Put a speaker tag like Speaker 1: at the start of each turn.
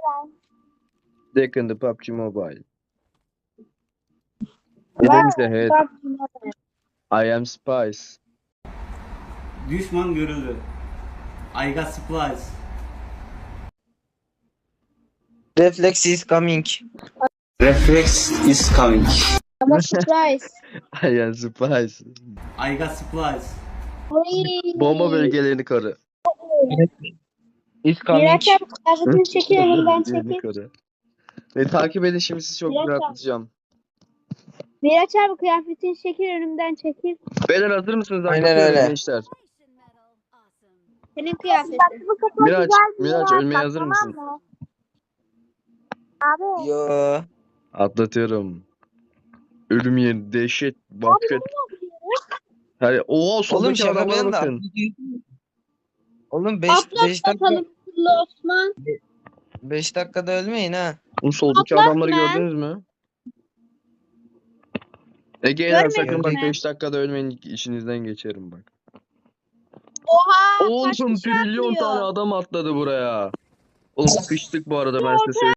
Speaker 1: Second PUBG Mobile. Enemies ahead. I am Spice.
Speaker 2: Düşman görüldü. I got supplies.
Speaker 3: Reflex is coming.
Speaker 2: Reflex is coming.
Speaker 4: Ama surprise.
Speaker 1: I am Spice.
Speaker 2: I got supplies.
Speaker 1: Bomba bölgelerini koru.
Speaker 3: Is coming.
Speaker 4: Miraç abi kıyafetini çekil önümden
Speaker 1: Bölgelerini
Speaker 4: çekil.
Speaker 1: koru. Ve takip edin, şimdi sizi çok
Speaker 4: Biraz
Speaker 1: rahatlatacağım.
Speaker 4: Miraç abi kıyafetini çekil önümden çekil.
Speaker 1: Beyler hazır mısınız?
Speaker 3: Aynen
Speaker 1: Anlatıyorum
Speaker 3: öyle.
Speaker 1: gençler.
Speaker 4: Senin kıyafetin.
Speaker 1: Miraç ölmeye hazır mısın?
Speaker 4: Abi.
Speaker 3: Yo.
Speaker 1: Atlatıyorum. Ölüm yeri, dehşet, vahşet. Hani oha, soldaki
Speaker 3: Şaka
Speaker 1: adamlara
Speaker 3: bir yanda.
Speaker 1: bakın.
Speaker 3: Oğlum 5
Speaker 4: Atlat bakalım Kullu Osman.
Speaker 3: 5 dakikada ölmeyin ha.
Speaker 1: Oğlum soldaki
Speaker 4: Atlat
Speaker 1: adamları
Speaker 4: lan.
Speaker 1: gördünüz mü? Ege'ler
Speaker 4: Görmedim
Speaker 1: sakın bak,
Speaker 4: mi?
Speaker 1: 5 dakikada ölmeyin, içinizden geçerim bak.
Speaker 4: Oha. kaç
Speaker 1: Oğlum
Speaker 4: kişi
Speaker 1: trilyon
Speaker 4: atlıyor?
Speaker 1: tane adam atladı buraya. Oğlum sıkıştık bu arada, ben size söyleyeyim.